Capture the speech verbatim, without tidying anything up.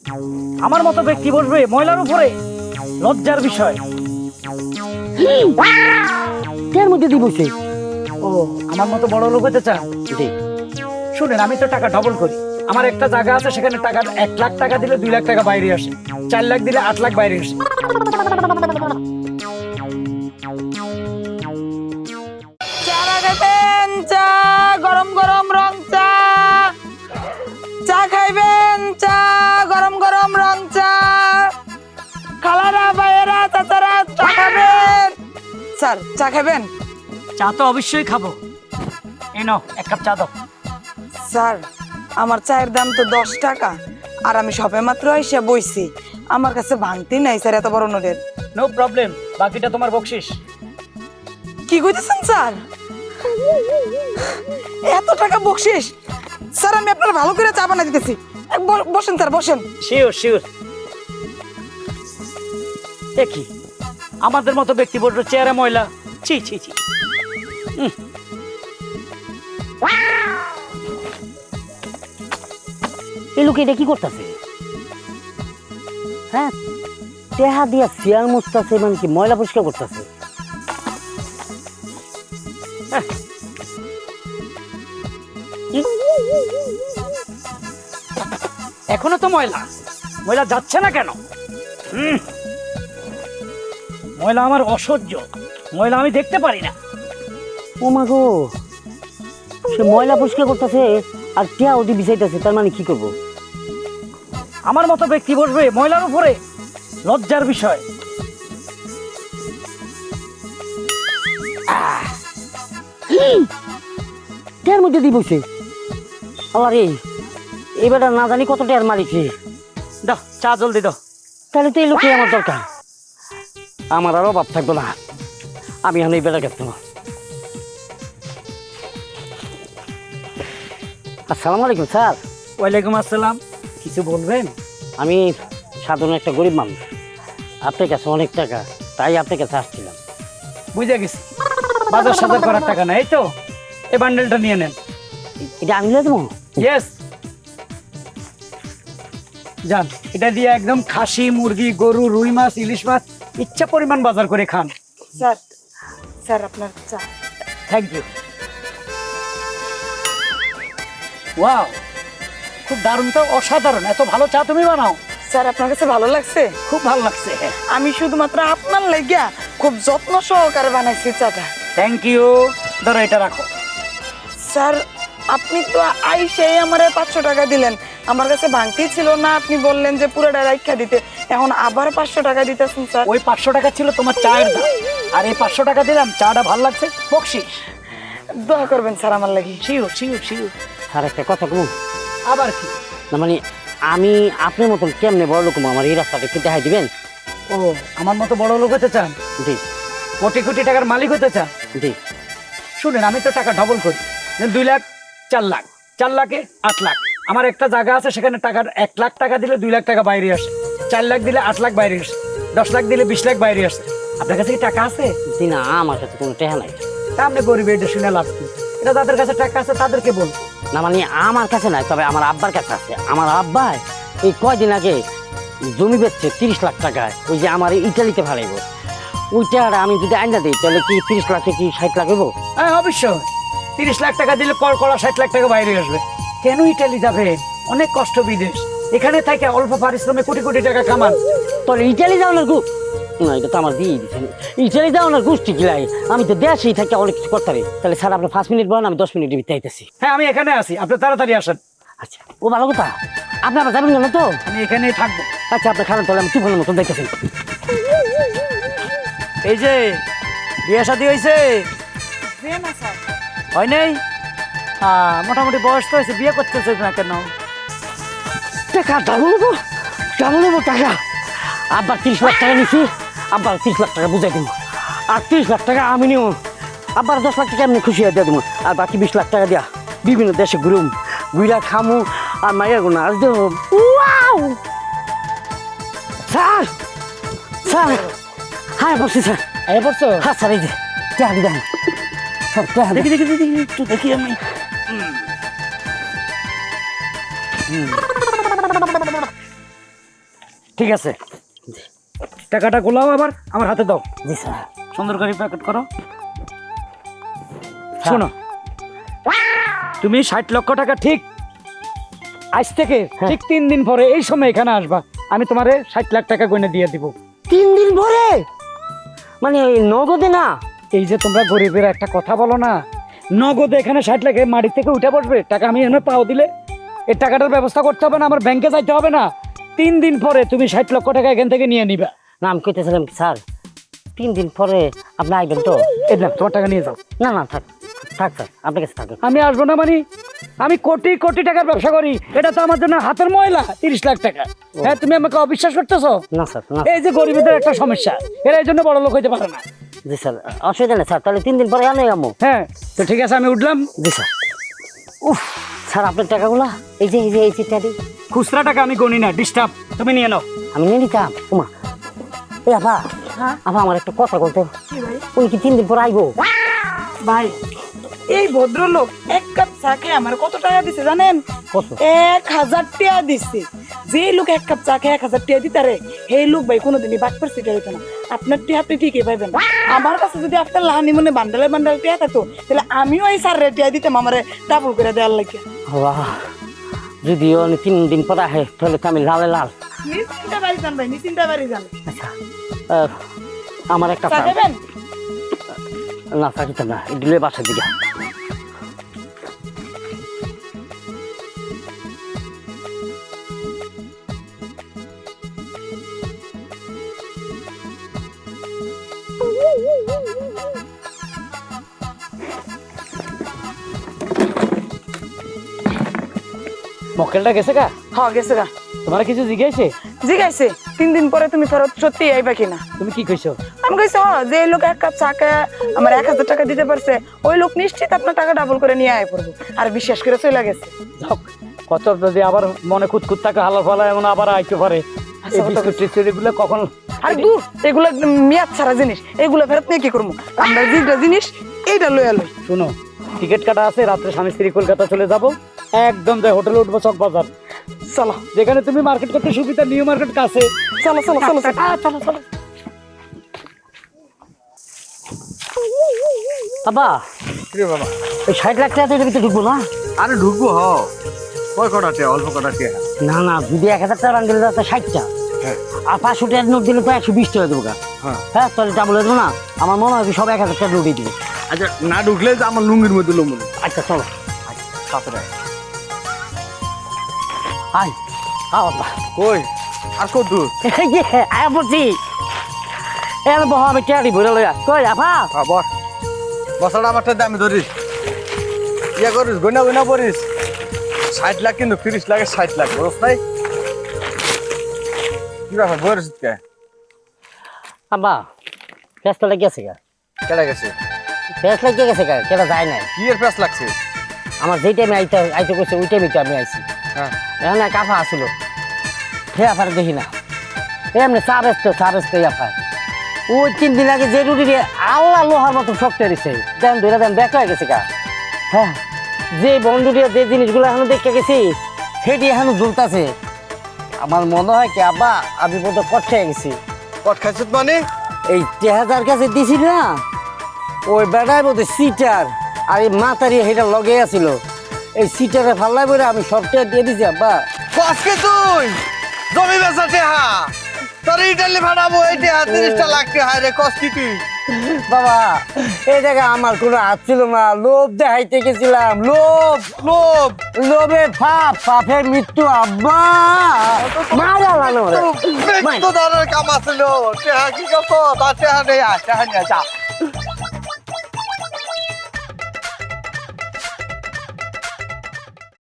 আমার মতো ব্যক্তি বসবে ময়লার উপরে, লজ্জার বিষয়। এর মধ্যে দি বসে। ও আমার মতো বড় লোক হতে চান? জি। শুনেন, আমি তো টাকা ডবল করি। আমার একটা জায়গা আছে, সেখানে টাকা এক লাখ টাকা দিলে দুই লাখ টাকা বাইরে আসে, চার লাখ দিলে আট লাখ বাইরে আসে। চা গরম গরম রং চা, চা খাইবেন, চা গরম গরম রং চা, খালারা ভাইয়েরা চাচারা চা খাবেন। স্যার চা খাবেন? চা তো অবশ্যই খাবো। এই নাও এক কাপ চা দাও। স্যার আমার চায়ের দাম তো দশ টাকা, আর আমি সবে মাত্র এসে বইছি, আমার কাছে ভাঙতি নাই স্যার এত বড় নোটের। নো প্রবলেম, বাকিটা তোমার বকশিস। কি কইতেছেন স্যার? এত টাকা বকশিস? স্যার আমি আপনার ভালো করে চা বানাই দিতেছি, এক ব- বসেন স্যার বসেন। Sure sure. দেখি আমাদের মতো ব্যক্তি বলছো চেহারা ময়লা, ছি ছি ছি। উম। এই লোক এটা কি করতেছে? হ্যাঁ, টেহা দিয়া শিয়াল মুছতেছে, মানে কি ময়লা পরিষ্কার করতেছে? এখনো তো ময়লা, ময়লা যাচ্ছে না কেন? উম। ময়লা আমার অসহ্য, ময়লা আমি দেখতে পারি না। ও মা গো, সে ময়লা পরিষ্কার করতেছে আর টেহা ওটি বিছাইতেছে, তার মানে কি করব? আমার মতো ব্যক্তি বসবে ময়লার উপরে, লজ্জার বিষয়। টেহার মধ্যে দি বসে। আল্লাহ রে, এবারটা না জানি কত টেহার মালিক রে। দাও চা জলদি দাও। তাহলে তো এই লোকই আমার দরকার, আমার আর অভাব থাকবো না। আমি এখন এই বেলা গেছি। আসসালামু আলাইকুম স্যার। ওয়ালাইকুম আসসালাম। কিছু বলবেন? আমি সাধারণ একটা গরিব মানুষ, আপনার কাছে অনেক টাকা, তাই আপনার কাছে আসছিলাম। বুঝে গেছি, বাজার সাজার করার টাকা না, এই তো এই বান্ডেলটা নিয়ে নেন। এটা আনলে দেবো? ইয়েস, যান, এটা দিয়ে একদম খাসি, মুরগি, গরু, রুই মাছ, ইলিশ মাছ ইচ্ছা পরিমাণ বাজার করে খান। স্যার স্যার আপনার চা। Thank you. ওয়াও, খুব দারুণ তো, অসাধারণ। এত ভালো চা তুমি বানাও? স্যার আপনার কাছে ভালো লাগছে? খুব ভালো লাগছে। আমি শুধুমাত্র আপনার লাগিয়া খুব যত্ন সহকারে বানাইছি চাটা। Thank you. ধরো এটা রাখো। স্যার আপনি তো আইসাই আমার পাঁচশো টাকা দিলেন, আমার কাছে ভাঙতি ছিল না, আপনি বললেন যে পুরোটা রাইখা দিতে, এখন আবার পাঁচশো টাকা দিতেছেন স্যার। ওই পাঁচশো টাকা ছিল তোমার চায়ের দাম, আর এই পাঁচশো টাকা দিলাম, চাটা ভালো লাগছে, বকশিস। দোয়া করবেন স্যার আমার লাগি। Sure sure sure. স্যার একটা কথা বলুন। আবার কি? না মানে আমি আপনার মতন কেমনে বড় লোক, আমার এই রাস্তাটা একটু দেখাই দিবেন? ও আমার মতো বড় লোক হতে চান? জি কোটি কোটি টাকার মালিক হতে চান? জি। শুনেন, আমি তো টাকা ডবল করি, দুই লাখ, চার লাখ, চার লাখে আট লাখ। আমার একটা জায়গা আছে, সেখানে টাকার এক লাখ টাকা দিলে দুই লাখ টাকা বাইরে আসে, চার লাখ দিলে আট লাখ বাইরে আসে, দশ লাখ দিলে বিশ লাখ বাইরে আসে। আপনার কাছে কি টাকা আছে? জি না, আমার কাছে কোনো টেহা নাই। তা আপনি গরিব, এটা শুনে লাভ কি? এটা যাদের কাছে টাকা আছে তাদেরকে বল। না মানে আমার কাছে নাই, তবে আমার আব্বার কাছে আছে। আমার আব্বা এই কয়দিন আগে জমি বেচছে তিরিশ লাখ টাকায়, ওই যে আমার ইটালিতে ভাড়াইব, ওই টাকাটা আমি যদি আইনা দিই তাহলে কি তিরিশ লাখে কি ষাট লাখ হইব? হ্যাঁ অবশ্যই, তিরিশ লাখ টাকা দিলে কর করা ষাট লাখ টাকা বাইরে আসবে। কেন ইটালি যাবে? অনেক কষ্ট বিদেশ, এখানে থেকে অল্প পারিশ্রমে কোটি কোটি টাকা কামান। তোর ইটালি যাও না গু না, এটা তো আমার দিয়ে দিচ্ছেন। ইটালি যাও না গোষ্ঠী গিলাই, আমি তো দেশেই থাকি অনেক কিছু করতে পারি। তাহলে স্যার আপনি পাঁচ মিনিট বলেন, আমি দশ মিনিটের ভিতরে আইতেছি। হ্যাঁ আমি এখানে আছি, আপনি তাড়াতাড়ি আসেন। আচ্ছা, ও ভালো কথা। আপনি আবার যাবেন না তো? আমি এখানেই থাকবো। আচ্ছা, আপনার খারাপ তাহলে আমি তুফানের মতন দেখতেছি। এই যে বিয়ে শাদী হয়েছে? না স্যার। হয় নাই? হ্যাঁ মোটামুটি বয়স তো হয়েছে, বিয়ে করতেছে না কেন? টাকা ডাবল নেবো, ডাবল নেবো টাকা। আব্বার তিরিশ লাখ টাকা নিছি, আব্বার তিরিশ লাখ টাকা বুঝাই দিব, আর তিরিশ লাখ টাকা আমি নিব। আব্বার দশ লাখ টাকা এমনি খুশি হয়ে দিয়ে দেবো, আর বাকি বিশ লাখ টাকা দিয়া বিভিন্ন দেশে ঘুরুম, ঘুরা খামু, আর মাইয়া গুনা আজ দেবো। স্যার স্যার, হ্যাঁ বলছি স্যার। এই পড়ছো? হ্যাঁ স্যার, এই যে টাকা দিবেন স্যার, টাকা দেখি দেখি দেখি দেখি, একটু দেখি আমি। ঠিক আছে, টাকাটা গোলাও আবার আমার হাতে দাও, জি স্যার। সুন্দর করে প্যাকেট করো। শোনো, তুমি ষাট লক্ষ টাকা ঠিক আজ থেকে হ্যাঁ। ঠিক তিন দিন পরে এই সময় এখানে আসবা, আমি তোমারে ষাট লাখ টাকা গয়না দিয়ে দিব। তিন দিন পরে মানে ওই নগদে না? এই যে তোমরা গরিবের একটা কথা বলো না, নগদে এখানে ষাট লাখে মাটি থেকে উঠে পড়বে টাকা, আমি এনে পাও দিলে এই টাকাটার ব্যবস্থা করতে হবে না, আমার ব্যাংকে যাইতে হবে না। তিন দিন পরে তুমি ষাট লক্ষ টাকা এখান থেকে নিয়ে নিবা। না আমি কইতেছিলাম কি স্যার, তিন দিন পরে আপনি আইবেন তো? এই না, তোমার টাকা নিয়ে যাও। না না থাক থাক স্যার, আপনার কাছে থাকুন। আমি আসবো না মানে? আমি কোটি কোটি টাকার ব্যবসা করি, এটা তো আমার জন্য হাতের ময়লা। তিরিশ লাখ টাকা, হ্যাঁ তুমি আমাকে অবিশ্বাস করতেছো? না স্যার না। এই যে গরিবদের একটা সমস্যা, এরা এই জন্য বড় লোক হইতে পারে না। জি স্যার, অসুবিধা নেই স্যার, তাহলে তিন দিন পরে আনে আমো। হ্যাঁ তো ঠিক আছে, আমি উঠলাম। জি স্যার। উফ স্যার, আপনার টাকাগুলা এই যে এই যে এই চিঠা দিই। খুচরা টাকা আমি গণি না, ডিস্টার্ব, তুমি নিয়ে নাও। আমি নিয়ে নিতাম। উমা এই আপা, আপা আমার একটা কথা বলতো। উনি কি তিন দিন পর আইবো? ভাই, এই ভদ্রলোক এক কাপ চা খেয়ে আমার কত টাকা দিছে জানেন? কত? এক হাজার টাকা দিচ্ছে। যে লোক এক কাপ চা খেয়ে এক হাজার টাকা দিতারে, সেই লোক ভাই কোনোদিনই বাট পার সিটা হইতো না। আপনার টিয়া আপনি ঠিকই পাইবেন। আমার কাছে যদি আপনার লাহানি মনে বান্ডালে বান্ডাল টিয়া থাকতো, তাহলে আমিও এই সার টিয়া দিতাম আমারে ডাবল করে দেওয়ার লাগে। বাহ, যদিও উনি তিন দিন পর আহে তাহলে তো আমি লালে লাল। নিশ্চিন্তা বাড়ি যান ভাই, নিশ্চিন্তা বাড়ি যান। আচ্ছা, আহ, আমার একটা চা খাবেন? না থাকিতে না, দিলে বাসার দিকে। মক্কেলটা গেছে গা? হ্যাঁ গেছে গা। তোমার কিছু জিজ্ঞাসে? জিজ্ঞাসে তিন দিন পরে তুমি ফেরত সত্যি আইবা কিনা। তুমি কি কইছো? আমি কইছি হ, যে লোক এক কাপ চা খেয়ে আমার এক হাজার টাকা দিতে পারছে, ওই লোক নিশ্চিত আপনার টাকা ডাবল করে নিয়ে আয় পড়বো। আর বিশ্বাস করে চলে গেছে। যাক, কত যদি আবার মনে খুঁতখুত থাকে হালার ফালা এমন আবার আইতে পারে। এই বিস্কুট টিস্কুট এগুলো কখন? আর দূর, এগুলো একদম মেয়াদ ছাড়া জিনিস, এগুলো ফেরত নিয়ে কি করবো? আমরা যেটা জিনিস এইটা লইয়া লই। শুনো, টিকিট কাটা আছে, রাত্রে স্বামী স্ত্রী কলকাতা চলে যাব, একদম যাই হোটেলে উঠবো চক বাজার, চলো যেখানে তুমি মার্কেট করতে সুবিধা, নিউ মার্কেট কাছে। চলো চলো চলো চলো। চলো চলো। বাবা, রে বাবা, ওই ষাট লাখ টাকা ভিতরে ঢুকবো না? আরে ঢুকবো হ, কয় কটা টিয়া? অল্প কটা টিয়া। না না, যদি এক হাজার টাকা রান দিলে তো ষাটটা, হ্যাঁ আর পাঁচশো টাকার নোট দিলে তো একশো বিশ টাকা দেবো। হ্যাঁ। হ্যাঁ তাহলে ডাবল হয়ে যাবো না? আমার মনে হয় কি সব এক হাজার টাকা নোটই দিবে। আচ্ছা, না ঢুকলে যে আমার লুঙ্গির মধ্যে লুঙ্গি। আচ্ছা চলো। সাথে টাকা আয় আ বাবা, কই আর কত দূর? এই যে আয়া বলছি, এর বহ আমি টেয়ারি ভরে লইয়া কই আফা। হ্যাঁ বস, বসাটা আমারটা দামি ধরিস, ইয়া করিস, গয়না গয়না পড়িস। ষাট লাখ কিন্তু তিরিশ লাখের ষাট লাখ, বুঝছ নাই? কি ব্যাপার বলিস কে? আব্বা ফেসটা লেগে গেছে গা। কেটে গেছে? ফেস লেগে গেছে গা, কেটা যায় নাই। কি এর প্যাস লাগছে? আমার যেই টাইমে আইতে আইতে করছে ওই টাইমে তো আমি আইছি। হ্যাঁ এখানে এক আফা আসছিল, হে আফার দেখি না, এমনি চা ব্যস্ত চা ব্যস্ত আফা। ওই তিন দিন আগে যে রুটি দিয়ে আল্লাহ লোহার মতো শক্ত দিছে, দেন ধরে দেন ব্যাক হয়ে গেছে গা। হ্যাঁ, যে বন্ধু দিয়ে যে জিনিসগুলো এখনো দেখে গেছি সেটি এখনো ঝুলতাছে। আমার মনে হয় কি আব্বা আমি বোধ কটে গেছি। কট খাইছ মানে? এই টেহাজার কাছে দিছি না, ওই বেড়ায় বোধ সিটার আর এই মাতারি সেটা লগে আছিল, এই সিটারে ফাল্লাই বলে আমি সবটা দিয়ে দিছি আব্বা। কসকে তুই জমি বেচা টেহা, তোর ইটালি ভাড়াবো এই টেহা তিরিশটা লাখ টেহা রে, কস কি তুই? বাবা এই জায়গায় আমার কোনো হাত ছিল না, লোভ দেখাইতে গেছিলাম। লোভ লোভ লোভে পাপ, পাপের মৃত্যু আব্বা। মারা লানো রে। তো ধরনের কাম আছিল, টেহা কি করছো? তার টেহা নেই, টেহা নিয়ে যা।